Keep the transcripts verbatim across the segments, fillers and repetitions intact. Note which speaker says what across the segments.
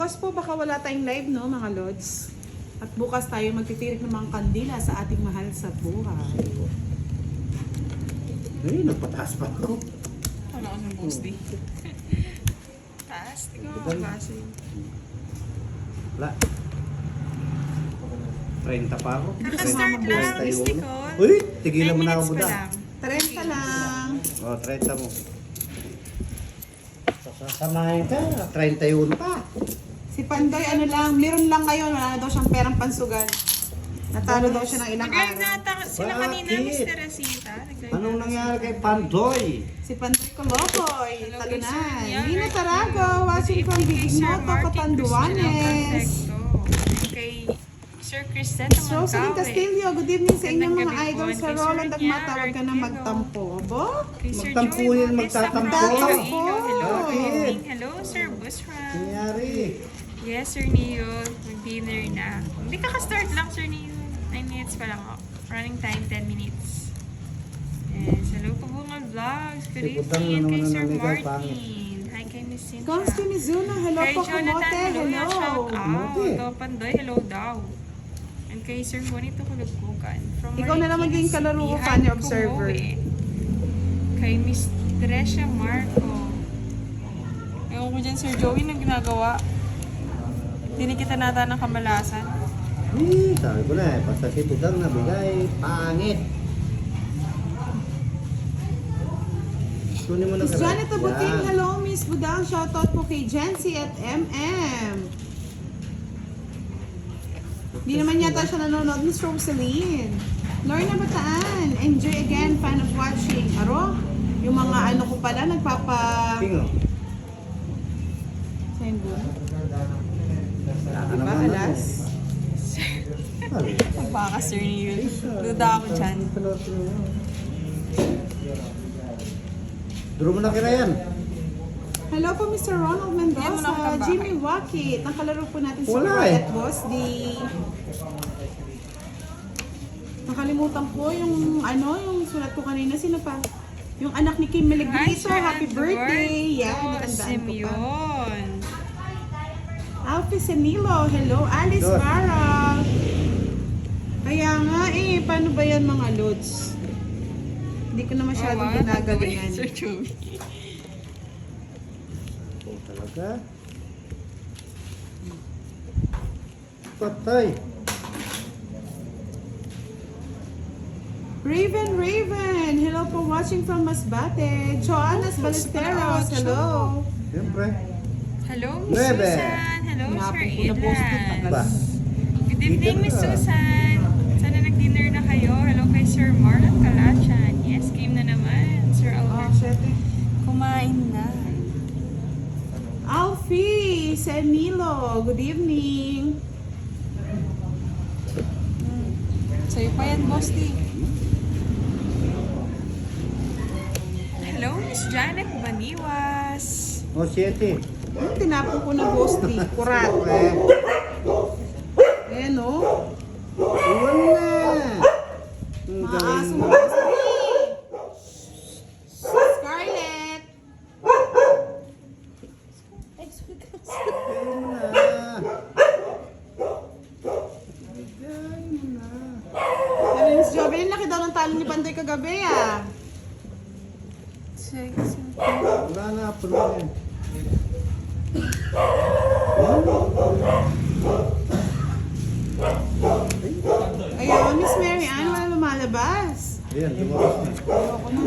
Speaker 1: Bukas po baka wala tayong live, no mga lods. At bukas tayo magtitirik ng mga kandila sa ating mahal sa buhay.
Speaker 2: Ay, nagpataas pa ako.
Speaker 3: Ano ako ng boss di? Taas, tingnan mo ang base.
Speaker 2: Wala. trenta pa ako.
Speaker 3: Nakastart lang, Miss Nicole.
Speaker 2: Uy, tigilan mo na ako
Speaker 3: Nine minutes
Speaker 2: buda.
Speaker 3: pa lang.
Speaker 1: trenta lang.
Speaker 2: O, oh, trenta mo. Sasamahin ka, trenta yun pa.
Speaker 1: Si Pandoy, ano lang, meron lang ngayon, wala na daw siyang perang pansugan. Natalo daw siya ng ilang
Speaker 3: Nag-live
Speaker 1: araw.
Speaker 3: nata sila kanina,
Speaker 2: Bakit?
Speaker 3: Miss Teresita. Nag-live
Speaker 2: Anong
Speaker 3: nata
Speaker 2: nangyari
Speaker 3: sila.
Speaker 2: kay Pandoy?
Speaker 1: Si Pandoy Colocoy,
Speaker 3: Hello,
Speaker 1: talunan.
Speaker 3: Sir Ian.
Speaker 1: Nina Tarago, watching from
Speaker 3: Good evening kay Sir
Speaker 1: Bignoto,
Speaker 3: Martin
Speaker 1: Catanduanes.
Speaker 3: Cristiano Perfecto. Kay Sir Crisette
Speaker 1: Miss Rosaline Castillo, good evening sa inyong mga
Speaker 3: Magandang gabi
Speaker 1: idol
Speaker 3: po.
Speaker 1: sa
Speaker 3: Kay Sir
Speaker 1: Roland
Speaker 3: Rian,
Speaker 1: Agmata. Huwag ka na
Speaker 3: Arquero.
Speaker 1: magtampo. Abo?
Speaker 3: Kay Sir
Speaker 2: Magtampo
Speaker 3: Joey
Speaker 2: yan,
Speaker 3: Bautista,
Speaker 2: magtatampo.
Speaker 3: Magtatampo. Hello,
Speaker 2: Bakit?
Speaker 3: good evening. Hello, Sir Busra.
Speaker 2: Nangyari.
Speaker 3: Yes, Sir Neo. Mag-dinner na. Hindi ka ka-start lang, Sir Neo. nine minutes pa lang ako. Running time, ten minutes. Yes, hello po mga vlogs. Good
Speaker 2: Si Budang
Speaker 3: evening. And
Speaker 2: na
Speaker 3: kay
Speaker 2: naman
Speaker 3: Sir
Speaker 2: ang nagay,
Speaker 3: Martin. Hi kay Miss Cynthia.
Speaker 1: Consti Mizuno, hello
Speaker 3: Kay
Speaker 1: po
Speaker 3: Jonathan,
Speaker 1: Kamote,
Speaker 3: hello.
Speaker 1: hello.
Speaker 3: Shout out.
Speaker 2: Kamote.
Speaker 3: Ito, Pandoy, hello daw. And kay Sir Juanito Kulugkukan. From
Speaker 1: Ikaw na lang
Speaker 3: Marikina
Speaker 1: maging kalaro ko,
Speaker 3: City.
Speaker 1: Fanny
Speaker 3: Hi,
Speaker 1: Observer.
Speaker 3: Kumoe. Kay Miss Trecia Marco. Ewan ko dyan, Sir Joey, na ginagawa. Tinikita nata ng kamalasan.
Speaker 2: Eh, sabi ko na eh, basta si Budang nabigay, pangit. Kunin mo na
Speaker 1: Miss
Speaker 2: ka-
Speaker 1: Janet Abuting,
Speaker 2: Yan.
Speaker 1: hello Miss Budang. Shoutout po kay Jency at M M. Hindi naman yata siya nanonood. Miss Rosaline. Lorna Bataan, enjoy again, fan of watching. Aro, yung mga ano ko pala, nagpapa...
Speaker 2: Tingo.
Speaker 1: Saan ba?
Speaker 2: Ano
Speaker 1: Diba,
Speaker 2: naman
Speaker 1: alas?
Speaker 2: ako?
Speaker 3: Baka, Sir Neil. Duda ako dyan.
Speaker 2: Duro mo na kira yan.
Speaker 1: Hello po Mister Ronald
Speaker 3: Yan mo na ako
Speaker 1: Mendoza,
Speaker 3: ng bahay.
Speaker 1: Jimmy Wakit. Nakalaro po natin si
Speaker 2: Wala
Speaker 1: Roy
Speaker 2: eh.
Speaker 1: at Boss D. Nakalimutan ko yung ano, yung sulat ko kanina. Sino pa? Yung anak ni Kim Melegrito. Happy birthday! Yeah, natandaan ko pa.
Speaker 3: Simeon.
Speaker 1: Alfie Senilo. Hello, Alice
Speaker 2: Dos.
Speaker 1: Barra. Kaya nga eh, paano ba yan mga lods? Hindi ko na masyadong
Speaker 3: Oh, wow.
Speaker 1: ginagalingan.
Speaker 3: Sir Joey.
Speaker 2: Oh, talaga? Patay.
Speaker 1: Raven Raven, hello po watching from Masbate. Joannas Ballesteros, hello.
Speaker 2: Siyempre.
Speaker 3: Hello, Miss
Speaker 2: Nueve.
Speaker 3: Susan. Hello, Sir
Speaker 1: Hinapon ko na boss ko,
Speaker 3: Edlan.
Speaker 2: Ba?
Speaker 3: Good evening,
Speaker 2: Dito
Speaker 3: Miss
Speaker 2: ka.
Speaker 3: Susan. Sana nag-dinner na kayo. Hello kay Sir Marlon Calachan. Yes, game na naman. Sir
Speaker 1: Oh,
Speaker 3: Albert.
Speaker 1: shit.
Speaker 3: Kumain na.
Speaker 1: Alfie Senilo, good evening.
Speaker 3: Sa'yo pa yan, Boss D. Hello, Miss Janet Baniwas.
Speaker 2: O, siyete.
Speaker 1: Hmm, tinapon ko na boss D, kurat.
Speaker 2: Eh,
Speaker 1: Ayan o.
Speaker 2: iwan na. Ang
Speaker 1: Mga
Speaker 2: galing
Speaker 1: aso
Speaker 2: mo.
Speaker 1: boss D. Scarlett.
Speaker 2: Bigay mo na. Bigay mo na.
Speaker 1: Sabi ni Miss Jovelyn, laki daw ng talo ni Pandoy kagabi ah.
Speaker 3: Sige, sige.
Speaker 2: Wala na, puno na yan.
Speaker 1: Ayaw, Miss Mary Ann, wala lumalabas.
Speaker 2: Ayan, lumabas na.
Speaker 1: Ayoko na.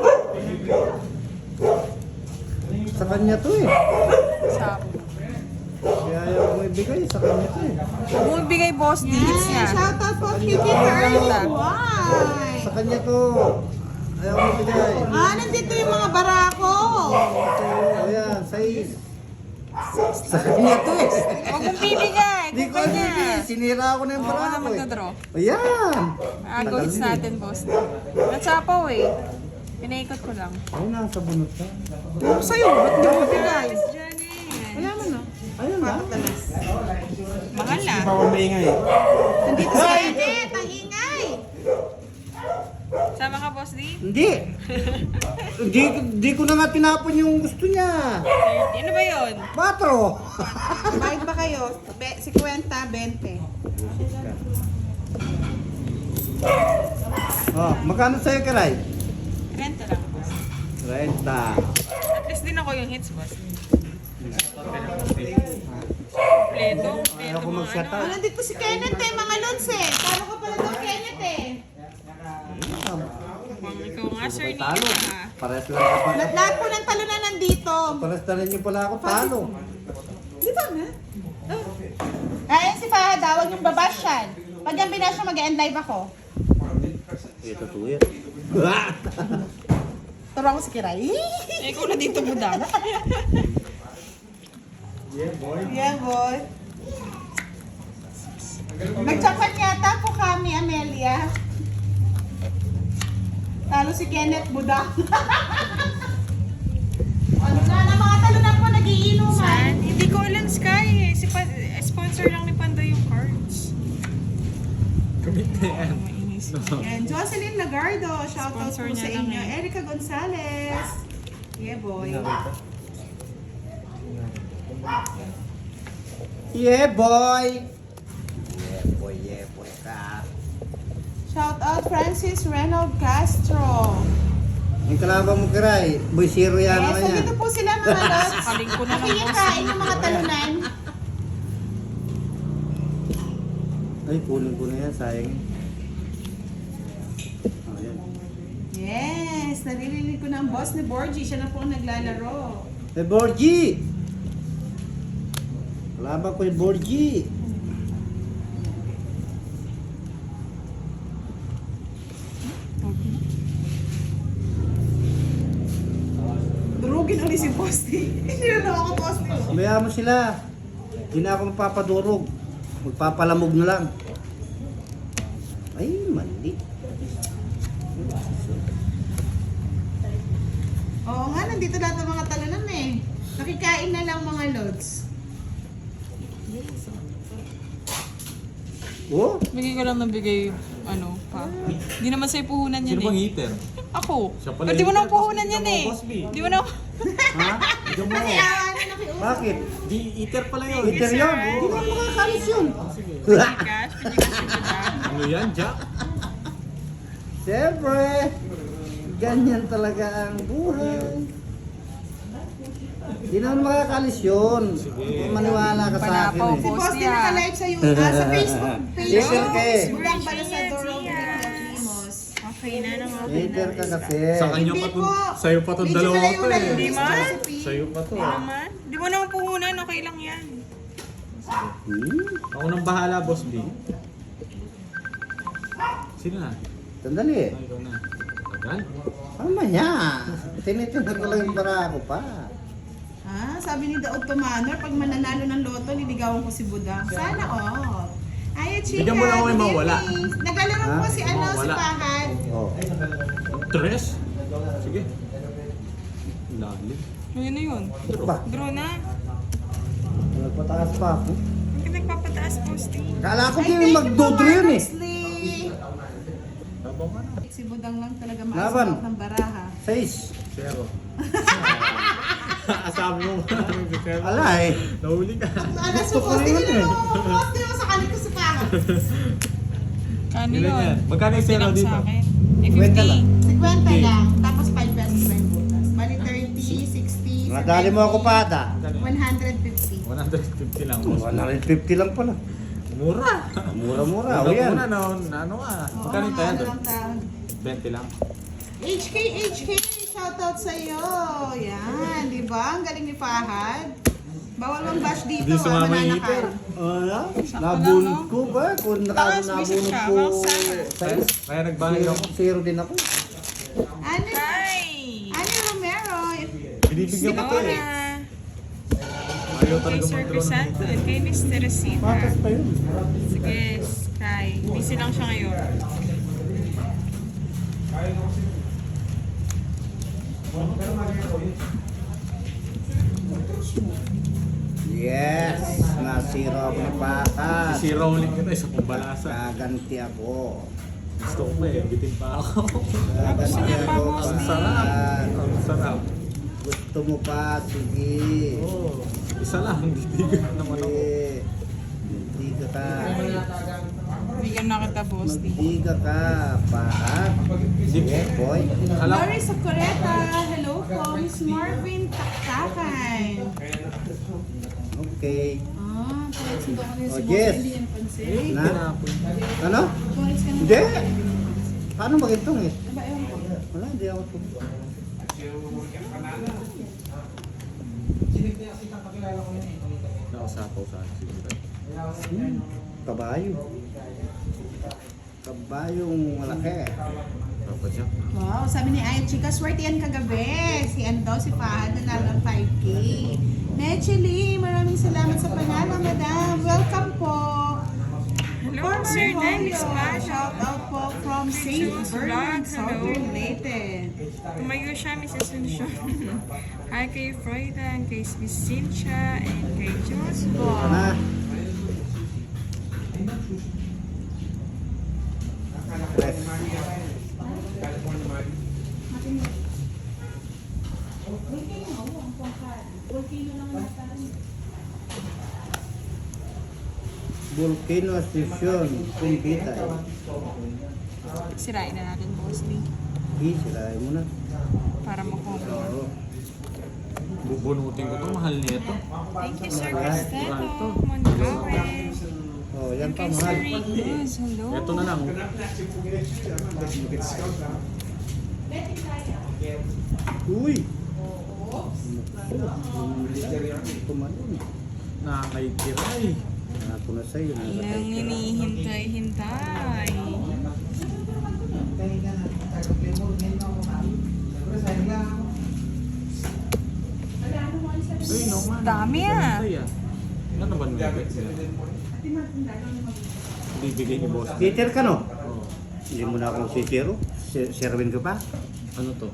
Speaker 2: Sa kanya to eh.
Speaker 3: Sabi.
Speaker 2: Kaya ayaw mo ibigay, sa kanya to eh.
Speaker 3: Huwag mo ibigay, Boss D. It's
Speaker 1: Yan,
Speaker 3: niya.
Speaker 1: shoutout po kay Kiki Early. Why?
Speaker 2: Sa kanya to. Ayaw mo ibigay.
Speaker 1: Ah, nandito yung mga barako.
Speaker 2: Ito, ayan, sais. Sa kanya to eh.
Speaker 3: Huwag mong bibigay.
Speaker 2: Hindi ko
Speaker 3: Kumpay niya.
Speaker 2: ibigay. Sinira ko na yung
Speaker 3: Oo, ako na
Speaker 2: barako eh.
Speaker 3: magdodraw.
Speaker 2: Ayan.
Speaker 3: Agawits natin, Boss D. Natsapaw eh. Pinaikot ko lang.
Speaker 2: Ay, nasa bunot ka.
Speaker 1: Ano sa'yo? Ba't hindi mo bigay?
Speaker 3: Miss Janet.
Speaker 1: Wala mo no?
Speaker 2: Ayun na.
Speaker 1: Papatalas.
Speaker 3: Mahal na.
Speaker 2: Bawal maingay.
Speaker 1: Nandito si Janet, ang ingay.
Speaker 3: Sama Sasama ka, Boss D?
Speaker 2: Hindi. Hindi, hindi ko na nga tinapon yung gusto niya.
Speaker 3: thirty. Ano ba yun?
Speaker 2: Patro.
Speaker 1: Bayad ba kayo? Be, fifty, twenty.
Speaker 2: Oh, magkano sa'yo, Karay?
Speaker 3: Renta lang, Boss.
Speaker 2: Renta.
Speaker 3: At least din ako yung hits, Boss. Pleto.
Speaker 2: Ayaw ko mag-shut
Speaker 1: Oh,
Speaker 2: up.
Speaker 1: nandito si Kenneth eh, mga lods eh. Talo ka pala daw, Kenneth eh.
Speaker 3: Mukhang ikaw nga, Sir Neo,
Speaker 2: Talo.
Speaker 3: ha?
Speaker 2: Pares lang ako pa.
Speaker 1: Lahat lahat po ng talo na nandito.
Speaker 2: Pares na rin yung pala ako talo.
Speaker 1: Di ba nga? Oh. Ayan si Fahad, huwag yung babash yan. Pag yan binash siya, mag-end live ako.
Speaker 2: Ito to it.
Speaker 1: Turo ako si Kiray.
Speaker 3: Eh, ikaw na dito, Buda.
Speaker 2: Yeah, boy.
Speaker 1: Yeah, boy. Nagtsapan yata po kami, Amelia. Talo si Kenneth Budak. Ano na, na mga talo na po nagiinuman.
Speaker 3: Saan? Hindi ko alam, Sky. eh. Si pa- eh, sponsor lang ni Panda yung cards.
Speaker 2: Commit na yan.
Speaker 3: Mainis.
Speaker 1: Yan, Jocelyn Lagardo, shoutout
Speaker 3: Sponsor
Speaker 1: po sa
Speaker 3: niya lang
Speaker 1: inyo.
Speaker 3: eh.
Speaker 1: Erica Gonzalez. Yeah, boy.
Speaker 2: Yeah, boy. Yeah, boy, yeah, boy ka.
Speaker 1: Shoutout Francis Reynold Castro.
Speaker 2: Yung kalaban mo, Kiray, boy zero yan
Speaker 1: Yes,
Speaker 2: naman yan.
Speaker 1: nandito po sila mga lods.
Speaker 3: Sakaling ko na lang, boss.
Speaker 1: Nakikikain yung mga talunan.
Speaker 2: Ay, kunin ko na yan, sayang. Oh, yan.
Speaker 1: Yes, naririnig ko na ang boss ni Borgie. Siya na po ang naglalaro.
Speaker 2: Hey, Borgie! Kalaban ko yung Borgie.
Speaker 1: Durugin ulit si Posti. Hindi na daw ako Posti.
Speaker 2: Bayaan mo sila. Hindi na ako mapapadurog. Magpapalamog na lang. Ay, mali.
Speaker 1: Oo nga, nandito lahat ng mga talunan eh. Nakikain na lang mga lods.
Speaker 2: Oh,
Speaker 3: Bigay ko lang ng bigay, ano, pa. Hindi naman sa'yo puhunan yan
Speaker 4: Sino bang
Speaker 3: eh.
Speaker 4: eater?
Speaker 3: Ako.
Speaker 4: Siya pala
Speaker 3: Ba't di mo
Speaker 4: yung
Speaker 3: na
Speaker 4: eater,
Speaker 3: puhunan
Speaker 4: boss,
Speaker 3: yan
Speaker 4: ikaw
Speaker 3: eh.
Speaker 4: mo, boss B.
Speaker 3: Di mo na...
Speaker 2: ha?
Speaker 4: Ikaw mo.
Speaker 1: Kasi ah, ano nakiusap.
Speaker 2: Bakit?
Speaker 4: Di eater pala yun.
Speaker 2: Eater yun. Hindi na makakalis yun.
Speaker 3: Cash, pwede ka siya ba?
Speaker 4: Ano yan, Jack?
Speaker 2: Siyempre, ganyan talaga ang buhay. Hindi naman makakalis yun. Kung maniwala ka sa akin
Speaker 3: Panapaw
Speaker 2: eh.
Speaker 1: Si
Speaker 3: Boss
Speaker 1: Posti
Speaker 3: niya.
Speaker 1: naka-live sa, YouTube, ah, sa Facebook page.
Speaker 2: Hater ka eh.
Speaker 1: Burang pala sa
Speaker 3: Siya,
Speaker 1: Doro
Speaker 3: siya.
Speaker 1: Limos.
Speaker 3: Okay na nang okay na.
Speaker 2: Hater ka kasi.
Speaker 4: Sa kanya
Speaker 1: Hindi
Speaker 4: pa to.
Speaker 1: po.
Speaker 4: Sa'yo pa to
Speaker 1: Medyo
Speaker 4: dalawa to
Speaker 1: malayo-layo
Speaker 4: eh.
Speaker 3: Di
Speaker 1: yung
Speaker 3: man?
Speaker 1: recipe.
Speaker 4: Sa'yo pa to.
Speaker 3: Di naman. Di mo naman puhunan, okay lang yan.
Speaker 2: Hmm?
Speaker 4: Ako nang bahala, Boss B. Sino na?
Speaker 2: Sandali eh.
Speaker 4: Ah, ikaw na. Tagal?
Speaker 2: Ano niya? Tinitingnan ko lang yung barako pa.
Speaker 1: Ah, sabi ni Daud Tumanor, pag mananalo ng loto, liligawan ko si Budang. Sana all. Ay, chika.
Speaker 4: Bigyan mo lang ako yung
Speaker 1: good
Speaker 4: mawala.
Speaker 1: evening. Naglalaro
Speaker 2: Ha?
Speaker 1: po si ano, si
Speaker 4: Mawala.
Speaker 1: Fahad.
Speaker 2: Oh.
Speaker 4: Tres? Sige. Lalim.
Speaker 3: Ayun na yun.
Speaker 2: Ba?
Speaker 3: Draw na.
Speaker 2: Nagpataas pa ako.
Speaker 3: Hindi ka nagpapataas, Posti.
Speaker 2: Kala ko
Speaker 1: Ay,
Speaker 2: din
Speaker 1: thank you
Speaker 2: magdodro
Speaker 1: po,
Speaker 2: yun eh.
Speaker 1: Marcus
Speaker 4: Tabang ka na.
Speaker 1: Lee. Si Budang lang talaga
Speaker 2: Laban.
Speaker 1: maasok ng baraha.
Speaker 2: Seis.
Speaker 4: Zero. Sabi mo ba? Zero.
Speaker 2: Ala eh.
Speaker 4: Nahuli ka.
Speaker 1: Ano,
Speaker 2: Gusto ko
Speaker 1: supposedly
Speaker 2: yun eh.
Speaker 1: na poste mo sa kalit ko sa Fahad.
Speaker 3: Kano
Speaker 4: Ilan
Speaker 3: yun?
Speaker 4: yan? Magkano yung
Speaker 3: fifty
Speaker 4: zero
Speaker 3: lang
Speaker 4: dito?
Speaker 3: sa akin. Eh,
Speaker 2: Kwenta
Speaker 3: fifty.
Speaker 2: lang.
Speaker 1: fifty lang, tapos five pesos pa yung butas. Bali thirty, sixty,
Speaker 2: Nadali mo ako pa ata.
Speaker 1: one hundred fifty.
Speaker 4: one hundred fifty lang, Boss.
Speaker 2: one hundred fifty lang pala.
Speaker 4: Mura.
Speaker 2: Mura-mura.
Speaker 4: Una
Speaker 2: O yan.
Speaker 4: muna na, na ano ah.
Speaker 1: Oo,
Speaker 4: Magkano yung
Speaker 1: mga ano
Speaker 4: tayo?
Speaker 1: lang taon.
Speaker 4: twenty lang.
Speaker 1: H K, H K, shoutout sa iyo. Yan, di ba? Ang galing ni Fahad. Bawal mong bash dito,
Speaker 4: Hindi
Speaker 1: ah,
Speaker 4: sumama yung heater.
Speaker 1: mananakal.
Speaker 2: Ano? Nabunod ko ba? Kung naka-
Speaker 3: Taas, bisit
Speaker 2: nabunod
Speaker 3: siya.
Speaker 2: ko.
Speaker 3: Bang summer.
Speaker 4: Kaya, kaya nagbahay
Speaker 2: Zero,
Speaker 4: ako.
Speaker 2: zero din ako.
Speaker 1: Ano?
Speaker 3: Hi!
Speaker 1: Ano Romero?
Speaker 4: Binibigyan ko to eh.
Speaker 3: Nora.
Speaker 4: Ayaw
Speaker 3: Kay
Speaker 4: talaga
Speaker 3: Sir
Speaker 4: mag-draw ng
Speaker 3: Crisanto
Speaker 4: heater.
Speaker 3: at kay Mister Rosita.
Speaker 2: Patas pa yun.
Speaker 3: Sige, Sky. Busy lang siya ngayon.
Speaker 2: Yes! Na zero ako ni Patas.
Speaker 4: Si rolling ko na isa pong balasa.
Speaker 2: Gaganti ako.
Speaker 4: Gusto ko pa eh. Bitin pa ako.
Speaker 2: Ah,
Speaker 3: gusto niya pa,
Speaker 2: ganyan.
Speaker 3: boss.
Speaker 4: Ang sarap. Ang sarap.
Speaker 2: Gusto mo pa, sige.
Speaker 4: Oo. Isa lang. Titigan naman ako.
Speaker 2: Sige. Magdiga ka.
Speaker 3: Bigyan na kita, boss.
Speaker 2: Magdiga ka. Paat. Sige, boy.
Speaker 4: Alam,
Speaker 1: Lori Sakureta, hello po. Miss Marvin Taktakan.
Speaker 2: Okay.
Speaker 1: Ah, kaya sundo ko rin si
Speaker 2: Oh,
Speaker 1: boss,
Speaker 2: yes.
Speaker 1: hindi niya napansin.
Speaker 2: Na?
Speaker 4: tinapon.
Speaker 2: Ano?
Speaker 1: Boris ka na.
Speaker 2: Hindi. Paano magintong eh?
Speaker 1: Aba, ewan ko.
Speaker 2: Wala, hindi ako ito.
Speaker 4: Nakasapaw sa akin siguro.
Speaker 2: Hmm. Kabayo. Kabayong malaki.
Speaker 4: Papa Jack.
Speaker 1: Wow, sabi ni Ayan Chika, swerte yan kagabi. Si ano daw, si Fahad na ng five K. Nechili, maraming salamat sa panalo, madam. Welcome po.
Speaker 3: Hello,
Speaker 1: Former
Speaker 3: Sir Dennis
Speaker 1: Julio,
Speaker 3: Mano.
Speaker 1: shout out po from Saint
Speaker 3: Jules
Speaker 1: Bernard,
Speaker 3: Vlog, hello.
Speaker 1: Southern Leyte.
Speaker 3: Tumayo siya, Miss Asuncion. Hi kay Freudan, kay Miss Cynthia, and kay Jules
Speaker 2: Ano
Speaker 3: Vlog.
Speaker 2: na? Press. Volcano Station, Kumbita.
Speaker 3: Sirain na natin, boss Lee.
Speaker 2: Eh, sirahin mo na.
Speaker 3: Para makuha.
Speaker 2: Oo.
Speaker 4: Bubunutin ko to. Mahal nito.
Speaker 3: Thank you, Sir
Speaker 4: Mahal
Speaker 3: Cristeto.
Speaker 4: to.
Speaker 3: Mongawe.
Speaker 2: Oh, yan
Speaker 3: And
Speaker 2: pa
Speaker 3: kay Sir
Speaker 2: mahal.
Speaker 3: Ricos. Hello.
Speaker 4: Ito na lang.
Speaker 2: Uy! Tumalon.
Speaker 4: Nakakaikiray.
Speaker 2: Ako na sa'yo.
Speaker 3: Nang hinihintay-hintay.
Speaker 4: Ay, no man.
Speaker 3: Dami ah.
Speaker 4: Ay, ah. Ano naman mo? Bibigay ni boss.
Speaker 2: Teacher ka no?
Speaker 4: Oo.
Speaker 2: Hindi mo na akong sitiro. Serwin ko pa.
Speaker 4: Ano to?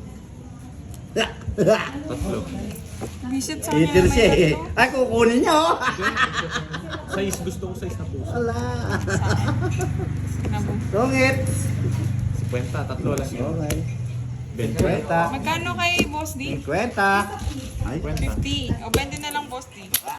Speaker 4: Tatlo.
Speaker 3: Visit sa kanya
Speaker 2: Teacher
Speaker 3: naman
Speaker 2: siya eh.
Speaker 3: ito.
Speaker 2: Ay, kukunin niya oh.
Speaker 4: Size. Gusto ko size na puso.
Speaker 2: Ala.
Speaker 3: Nabu.
Speaker 2: Sungit.
Speaker 4: Kwenta. Tatlo lang yun.
Speaker 2: Okay.
Speaker 4: Benta.
Speaker 2: Kwenta.
Speaker 3: Magkano kay Boss D?
Speaker 2: Kwenta. Ay,
Speaker 4: Kwenta.
Speaker 3: fifty. O, bente na lang Boss D.